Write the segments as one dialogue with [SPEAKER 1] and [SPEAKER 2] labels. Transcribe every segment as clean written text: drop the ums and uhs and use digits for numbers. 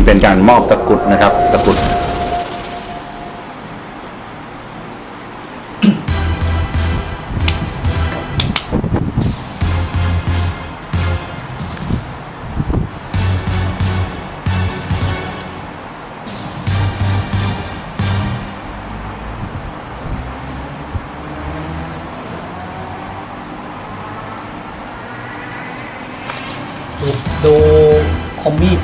[SPEAKER 1] เป็นการมอบตะกรุดนะครับตะกรุด
[SPEAKER 2] ดูคอมมีด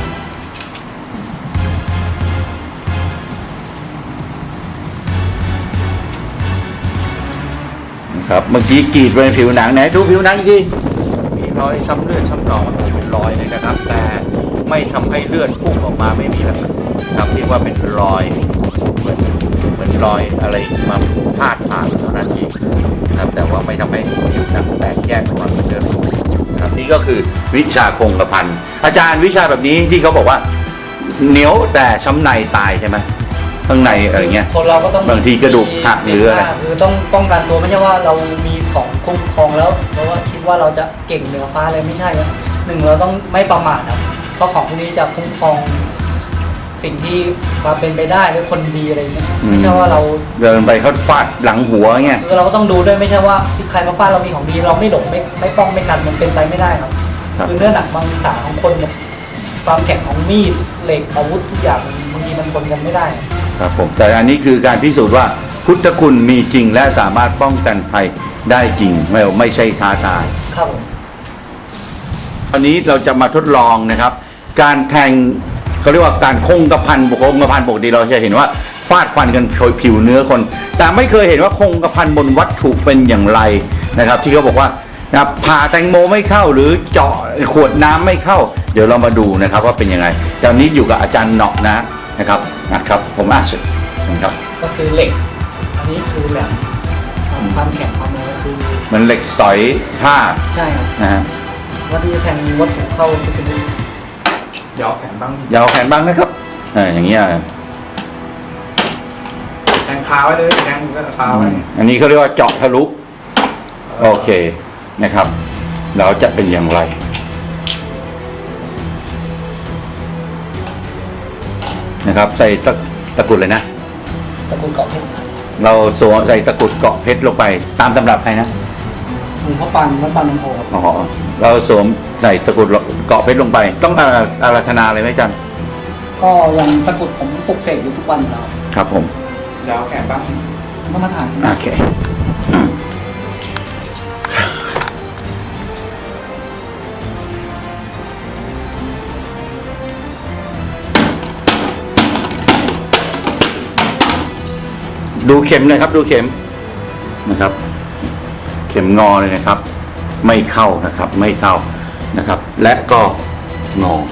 [SPEAKER 1] ครับเมื่อกี้กรีดบนผิวหนังไหนดูผิวหนังจริงมีรอยช้ำเลือดช้ำหนองมันเป็นรอยเลยนะครับแต่ไม่ทำให้เลือดพุ่งออกมาไม่มีแล้วครับเรียกว่าเป็นรอยเหมือนรอยอะไรมาพาดผ่านเท่านั้นเองครับแต่ว่าไม่ทำให้ผิวหนังแตกแยกออกมาเป็นเลือดครับนี่ก็คือวิชาคงกระพันอาจารย์วิชาแบบนี้ที่เขาบอกว่าเหนียวแต่ช้ำในตายใช่ไหมข้างในอะไรเงี้ย
[SPEAKER 2] คนเราก็ต้อง
[SPEAKER 1] บางทีกระดูกหักหรืออะไร
[SPEAKER 2] คือต้องป้องกันตัวไม่ใช่ว่าเรามีของคุ้มครองแล้วเพราะว่าคิดว่าเราจะเก่งเหนือฟ้าเลยไม่ใช่ครับหนึ่งเราต้องไม่ประมาทครับเพราะของพวกนี้จะคุ้มครองสิ่งที่มาเป็นไปได้หรือคนดีอะไรเงี้ยไม่ใช่ว่าเรา
[SPEAKER 1] เดินไปเขาฟาดหลังหัวเงี้ย
[SPEAKER 2] คือเราก็ต้องดูด้วยไม่ใช่ว่าใครมาฟาดเรามีของดีเราไม่หลงไม่ป้องไม่กันมันเป็นไปไม่ได้ครับคือเนื้อหนักบางขาของคนความแข็งของมีดเหล็กอาวุธทุกอย่างบางทีมันคนกันไม่ได้
[SPEAKER 1] ครับผมแต่อันนี้คือการพิสูจน์ว่าพุทธคุณมีจริงและสามารถป้องกันภัยได้จริงไม่ใช่ท้าทาย
[SPEAKER 2] ครับผม
[SPEAKER 1] ตอนนี้เราจะมาทดลองนะครับการแทงเขาเรียกว่าการคงกระพันปกติเราจะเห็นว่าฟาดฟันกันโดยผิวเนื้อคนแต่ไม่เคยเห็นว่าคงกระพันบนวัตถุเป็นอย่างไรนะครับที่เขาบอกว่าผ่าแตงโมไม่เข้าหรือเจาะขวดน้ำไม่เข้าเดี๋ยวเรามาดูนะครับว่าเป็นยังไงตอนนี้อยู่กับอาจารย์เนาะนะครับผมอ่านสุดนะครับ
[SPEAKER 2] ก็คือเหล็กอันนี้คือแหลมความแข็งความอะไรก็คือ
[SPEAKER 1] มันเหล็กสอยผ้า
[SPEAKER 2] ใช่ครับ
[SPEAKER 1] นะฮะ
[SPEAKER 2] ว่าที่จะแทงวัตถุเข้าก็เป็น
[SPEAKER 3] ยาวแขนบ้าง
[SPEAKER 1] ยาวแขนบ้างนะครับอย่างเงี้ย
[SPEAKER 3] แทงขาไว้เลยแทงก็ขาไว้
[SPEAKER 1] อันนี้เขาเรียกว่าเจาะทะลุโอเคนะครับเราจะเป็นอย่างไรนะครับใส่ตะกรุดเลยนะ
[SPEAKER 2] ตะกรุดเกาะเพชร
[SPEAKER 1] เราสวมใส่ตะกรุดเกาะเพชรลงไปตามตำรับใครนะ
[SPEAKER 2] หลวงพ่อปานวัดปานน้ำโพครับ
[SPEAKER 1] อ๋อเราสวมใส่ตะกรุดเกาะเพชรลงไปต้องอาราธนาเลยไหมจัน
[SPEAKER 2] ก็ยังตะกรุดผมปลุกเสกอยู่ทุกวันแล้ว
[SPEAKER 1] ครับผม
[SPEAKER 3] ยาวแขนบ้าง
[SPEAKER 2] มาถ่าย
[SPEAKER 1] โอเคดูเข็มเลยครับดูเข็มนะครับเข็มงอเลยนะครับไม่เข้านะครับไม่เข้านะครับและก็งอ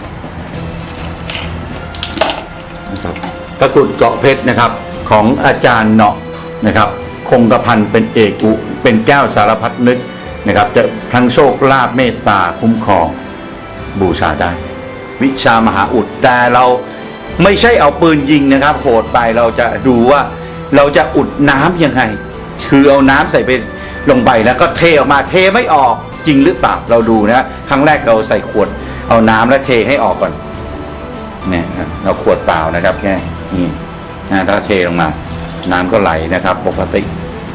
[SPEAKER 1] นะครับตะกรุดเกาะเพชรนะครับของอาจารย์เนาะนะครับคงกระพันเป็นเอกอุเป็นแก้วสารพัดนึกนะครับจะทั้งโชคลาภเมตตาคุ้มครองบูชาได้วิชามหาอุดแต่เราไม่ใช่เอาปืนยิงนะครับโหดไปเราจะดูว่าเราจะอุดน้ำยังไงคือเอาน้ำใส่ไปลงไปแล้วก็เทออกมาเทไม่ออกจริงหรือเปล่าเราดูนะครั้งแรกเราใส่ขวดเอาน้ำแล้วเทให้ออกก่อนเนี่ยเราขวดเปล่านะครับแค่นี้ถ้าเทลงมาน้ำก็ไหลนะครับปกติ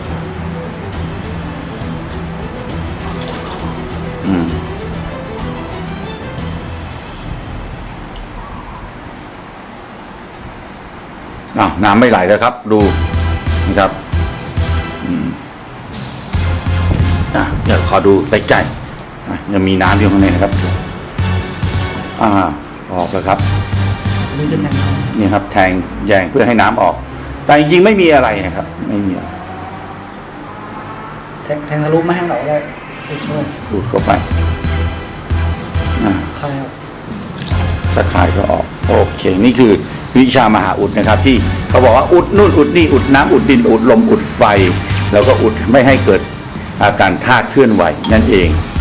[SPEAKER 1] น้ำไม่ไหลแล้วครับดูนะครับเดี๋ยวขอดูใกล้ๆยังมีน้ำอยู่ข้างในนะครับออกแล้วครับนี่ครับแทงแยงเพื่อให้น้ำออกแต่จริงๆไม่มีอะไรนะครับไม่มี
[SPEAKER 2] แทงทะลุไม่ให้เราได้
[SPEAKER 1] ดูดเข้าไปตะข่ายก็ออกโอเคนี่คือวิชามหาอุดนะครับที่เขาบอกว่าอุดนู่นอุดนี่อุดน้ำอุดดินอุดลมอุดไฟแล้วก็อุดไม่ให้เกิดอาการธาตุเคลื่อนไหวนั่นเอง